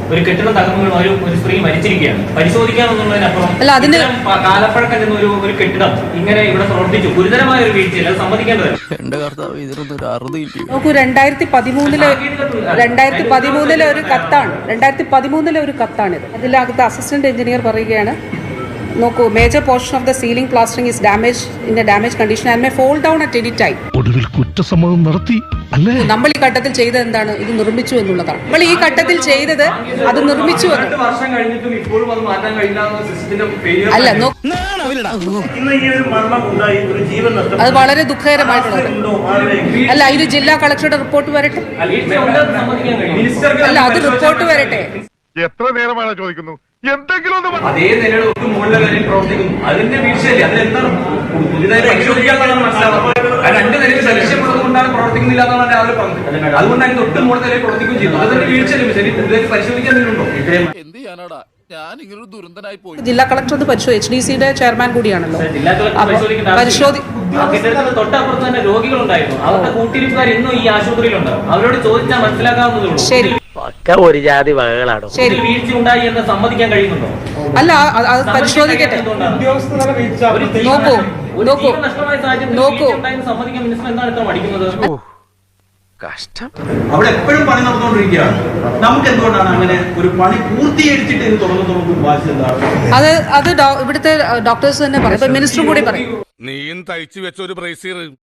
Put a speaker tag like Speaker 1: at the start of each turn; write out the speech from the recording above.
Speaker 1: ഒരു കെട്ടിടം തകർന്നു വീണ ഒരു സ്ത്രീ മരിച്ചിരിക്കുകയാണ്. പരിശോധിക്കാമെന്നുള്ളതിനപ്പുറം കാലപ്പഴക്കം ചെന്ന ഒരു കെട്ടിടം ഇങ്ങനെ ഇവിടെ പ്രവർത്തിച്ചു, ഗുരുതരമായ ഒരു വീഴ്ചയിൽ അത് സമ്മതിക്കേണ്ടതല്ല.
Speaker 2: നോക്കൂ, 2013 ഒരു കത്താണ്. 2013 ഒരു കത്താണിത്. അതിലകത്ത് അസിസ്റ്റന്റ് എഞ്ചിനീയർ പറയുകയാണ്, നോക്കൂ, major portion of the ceiling plastering is in a damage condition and may fall down at any time.
Speaker 3: ഒടുവിൽ കുറ്റസമ്മതം നടത്തി അല്ലേ?
Speaker 2: നമ്മൾ ഈ ഘട്ടത്തിൽ ചെയ്തത് എന്താണ്? ഇത് നിർമ്മിച്ചു എന്നുള്ളതാണ്. നമ്മൾ ഈ ഘട്ടത്തിൽ ചെയ്തത് അത് നിർമ്മിച്ചു എന്ന്. അല്ല, അത് വളരെ ദുഃഖകരമായിട്ടുള്ളത്. അല്ല, ഇത് ജില്ലാ കളക്ടറുടെ റിപ്പോർട്ട് വരട്ടെ. അല്ല, അത് റിപ്പോർട്ട് വരട്ടെ.
Speaker 3: എത്ര നേരമാണ് ചോദിക്കുന്നു? എന്തെങ്കിലും
Speaker 1: അതേ നിലയുടെ ഒട്ടും മുകളിലെ നിലയിൽ പ്രവർത്തിക്കുന്നു. അതിന്റെ വീഴ്ചയല്ലേ? അതിലെന്താണ് പുതിയതായി പരിശോധിക്കാന്നാണ് മനസ്സിലാവുന്നത്. ആ രണ്ട് നിലയിൽ ലക്ഷ്യമുള്ളത് കൊണ്ടാണ് പ്രവർത്തിക്കുന്നില്ല എന്നാണ് രാവിലെ പറഞ്ഞത്. അതുകൊണ്ട് അതിന്റെ ഒട്ടും മുകളിൽ നിലയിൽ പ്രവർത്തിക്കുകയും ചെയ്തു. അതിന്റെ വീഴ്ചയല്ലേ? ശരി, പുതിയതായി പരിശോധിക്കാൻ എന്തെങ്കിലുണ്ടോ?
Speaker 4: എന്ത് ചെയ്യാനാടാ, ഞാൻ ഇങ്ങനൊരു ദുരന്തനായി പോയി.
Speaker 2: ജില്ലാ കളക്ടർ അത് HDCയുടെ ചെയർമാൻ കൂടിയാണല്ലോ.
Speaker 1: തൊട്ടപ്പുറത്ത് തന്നെ രോഗികളുണ്ടായിരുന്നു. അവരുടെ കൂട്ടിരിപ്പുകാർ ഇന്നും ഈ ആശുപത്രിയിലുണ്ട്. അവരോട് ചോദിച്ചാൽ മനസ്സിലാക്കാവുന്നതേ ഉള്ളൂ.
Speaker 2: ശരി,
Speaker 5: ഒരു ജാതി വകകളാണോ?
Speaker 2: ശരി,
Speaker 1: വീഴ്ച ഉണ്ടായി എന്ന് സമ്മതിക്കാൻ കഴിയുന്നുണ്ടോ?
Speaker 2: അല്ല, അത് പരിശോധിക്കട്ടെ. നോക്കൂ,
Speaker 1: സമ്മതിക്കാൻ മിനിസ്റ്റർ എന്താണ് ഇത്ര മടിക്കുന്നത്?
Speaker 5: കഷ്ടം.
Speaker 6: അവിടെ എപ്പോഴും പണി നടന്നുകൊണ്ടിരിക്കുകയാണ്. നമുക്ക് എന്തുകൊണ്ടാണ് അങ്ങനെ ഒരു പണി പൂർത്തീകരിച്ചിട്ട് ഇത് തുടങ്ങുന്ന വാശി എന്താണ്?
Speaker 2: അത് ഇവിടുത്തെ ഡോക്ടേഴ്സ് തന്നെ പറയും, മിനിസ്റ്ററും കൂടി പറയും.
Speaker 3: നീയും തയ്ച്ചു വെച്ച ഒരു ബ്രേസീർ